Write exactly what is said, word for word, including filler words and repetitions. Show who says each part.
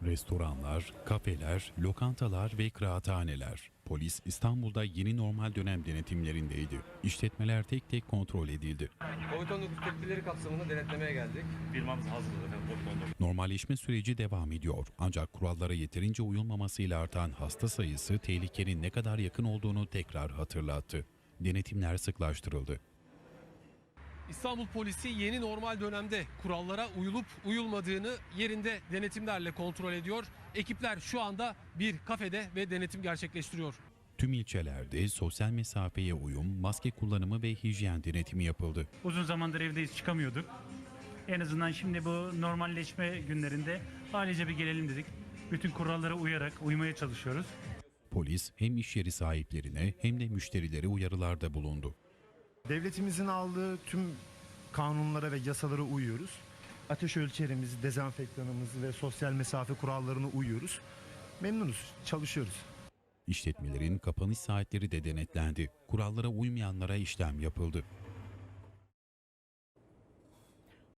Speaker 1: Restoranlar, kafeler, lokantalar ve kıraathaneler. Polis İstanbul'da yeni normal dönem denetimlerindeydi. İşletmeler tek tek kontrol edildi.
Speaker 2: kovid on dokuz tedbirleri kapsamında denetlemeye geldik.
Speaker 3: Firmamız hazır efendim. kovid on dokuz.
Speaker 1: Normalleşme süreci devam ediyor. Ancak kurallara yeterince uyulmamasıyla artan hasta sayısı tehlikenin ne kadar yakın olduğunu tekrar hatırlattı. Denetimler sıklaştırıldı.
Speaker 4: İstanbul Polisi yeni normal dönemde kurallara uyulup uyulmadığını yerinde denetimlerle kontrol ediyor. Ekipler şu anda bir kafede ve denetim gerçekleştiriyor.
Speaker 1: Tüm ilçelerde sosyal mesafeye uyum, maske kullanımı ve hijyen denetimi yapıldı.
Speaker 3: Uzun zamandır evdeyiz, çıkamıyorduk. En azından şimdi bu normalleşme günlerinde ailece bir gelelim dedik. Bütün kurallara uyarak uymaya çalışıyoruz.
Speaker 1: Polis hem iş yeri sahiplerine hem de müşterilere uyarılarda bulundu.
Speaker 5: Devletimizin aldığı tüm kanunlara ve yasalara uyuyoruz. Ateş ölçerimizi, dezenfektanımızı ve sosyal mesafe kurallarına uyuyoruz. Memnunuz, çalışıyoruz.
Speaker 1: İşletmelerin kapanış saatleri de denetlendi. Kurallara uymayanlara işlem yapıldı.